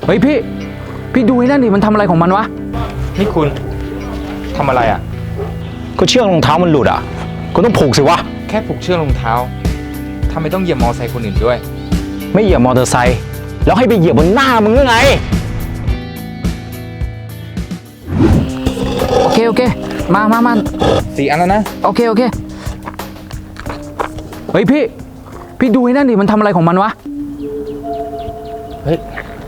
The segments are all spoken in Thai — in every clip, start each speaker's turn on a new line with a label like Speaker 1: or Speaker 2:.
Speaker 1: เฮ้ยพี่ดูไอ้นั่นดิมันทำอะไรของมันวะ
Speaker 2: นี่คุณทำอะไรอ่ะ
Speaker 3: ก็เชือกรองเท้ามันหลุดอ่ะคุณต้องผูกสิวะ
Speaker 2: แค่ผูกเชือกรองเท้าทำไมต้องเหยียบมอไซค์คนอื่นด้วย
Speaker 3: ไม่เหยียบมอเตอร์ไซค์แล้วให้ไปเหยียบบนหน้ามึงหรือไง
Speaker 1: โอเคมา
Speaker 2: 4 อันแล้วนะ
Speaker 1: โอเคเฮ้ยพี่ดูไอ้นั่นดิมันทำอะไรของมันวะ
Speaker 2: เฮ้ย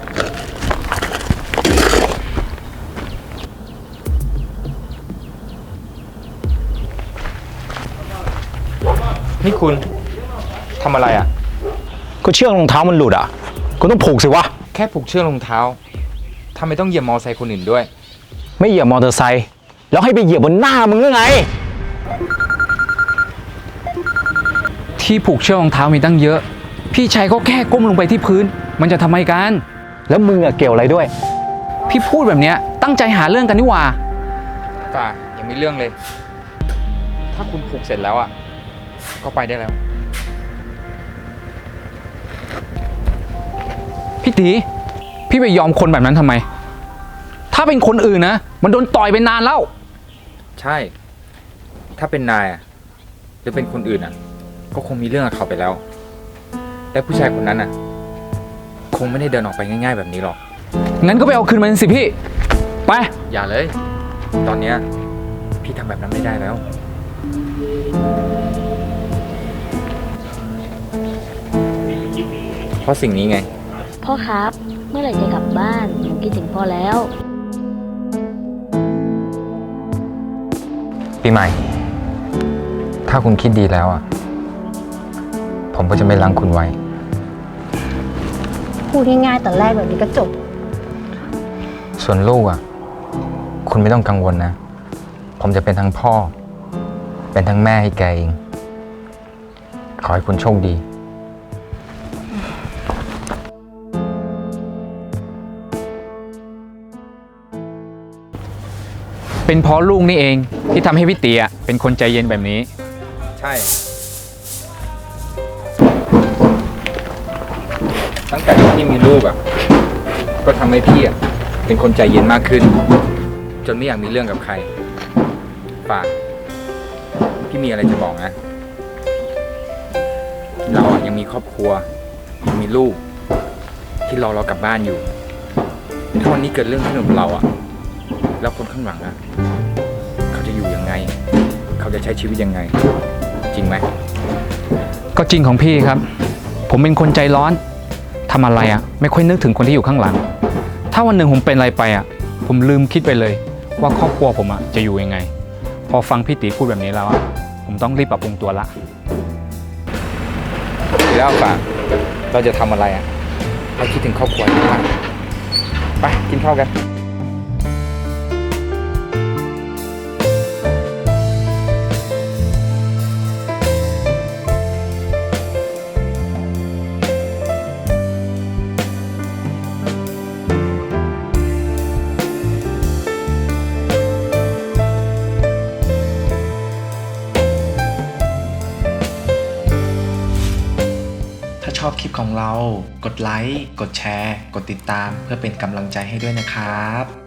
Speaker 2: นี่คุณทำอะไรอ่ะ
Speaker 3: ก็เชือกรองเท้ามันหลุดอ่ะคุณต้องผูกสิวะ
Speaker 2: แค่ผูกเชือกรองเท้าทำไมต้องเหยียบมอไซค์คนอื่นด้วย
Speaker 3: ไม่เหยียบมอเตอร์ไซค์แล้วให้ไปเหยียบบนหน้ามึงหรือไง
Speaker 1: ที่ผูกเชือกรองเท้ามีตั้งเยอะพี่ชายก็แค่ก้มลงไปที่พื้นมันจะทำไมกัน
Speaker 3: แล้วมึงอะเกี่ยวอะไรด้วย
Speaker 1: พี่พูดแบบเนี้ยตั้งใจหาเรื่องกันนี่หว่า
Speaker 2: ป่ายังมีเรื่องเลยถ้าคุณผูกเสร็จแล้วอ่ะก็ไปได้แล้ว
Speaker 1: พี่ตีพี่ไปยอมคนแบบนั้นทำไมถ้าเป็นคนอื่นนะมันโดนต่อยไปนานแล้ว
Speaker 2: ใช่ถ้าเป็นนายอ่ะหรือเป็นคนอื่นอ่ะก็คงมีเรื่องกับเขาไปแล้วและผู้ชายคนนั้นอ่ะคงไม่ได้เดินออกไปง่ายๆแบบนี้หรอก
Speaker 1: งั้นก็ไปเอาคืนมันสิพี่ไป
Speaker 2: อย่าเลยตอนเนี้ยพี่ทำแบบนั้นไม่ได้แล้วเพราะสิ่งนี้ไง
Speaker 4: พ่อครับเมื่อไหร่จะกลับบ้านหนูคิดถึงพ่อแล้ว
Speaker 2: ปีใหม่ถ้าคุณคิดดีแล้วอ่ะผมก็จะไม่ล้างคุณไว้
Speaker 4: พูดง่ายๆตอนแรกแบบนี้ก็จบ
Speaker 2: ส่วนลูกอ่ะคุณไม่ต้องกังวลนะผมจะเป็นทั้งพ่อเป็นทั้งแม่ให้แกเองขอให้คุณโชคดี
Speaker 1: เป็นเพราะลูกนี่เองที่ทำให้พี่เตี๋ยเป็นคนใจเย็นแบบนี้
Speaker 2: ใช่ตั้งแต่ที่พี่มีลูกอ่ะก็ทำให้พี่อ่ะเป็นคนใจเย็นมากขึ้นจนไม่อยากมีเรื่องกับใครป่าพี่มีอะไรจะบอกนะเราอ่ะยังมีครอบครัวยังมีลูกที่รอเรากลับบ้านอยู่ถ้าวันนี้เกิดเรื่องขึ้นกับเราอ่ะแล้วคนข้างหลังอ่ะเขาจะอยู่ยังไงเขาจะใช้ชีวิตยังไงจริงไหม
Speaker 1: ก็จริงของพี่ครับผมเป็นคนใจร้อนทำอะไรอ่ะไม่ค่อยนึกถึงคนที่อยู่ข้างหลังถ้าวันหนึ่งผมเป็นอะไรไปอ่ะผมลืมคิดไปเลยว่าครอบครัวผมอ่ะจะอยู่ยังไงพอฟังพี่ตีพูดแบบนี้แล้วอ่ะผมต้องรีบปรับปรุงตัวละ
Speaker 2: แล้วป่ะเราจะทำอะไรอ่ะเราคิดถึงครอบครัวมากไปกินข้าวกัน
Speaker 5: ถ้าชอบคลิปของเรากดไลค์กดแชร์กดติดตามเพื่อเป็นกำลังใจให้ด้วยนะครับ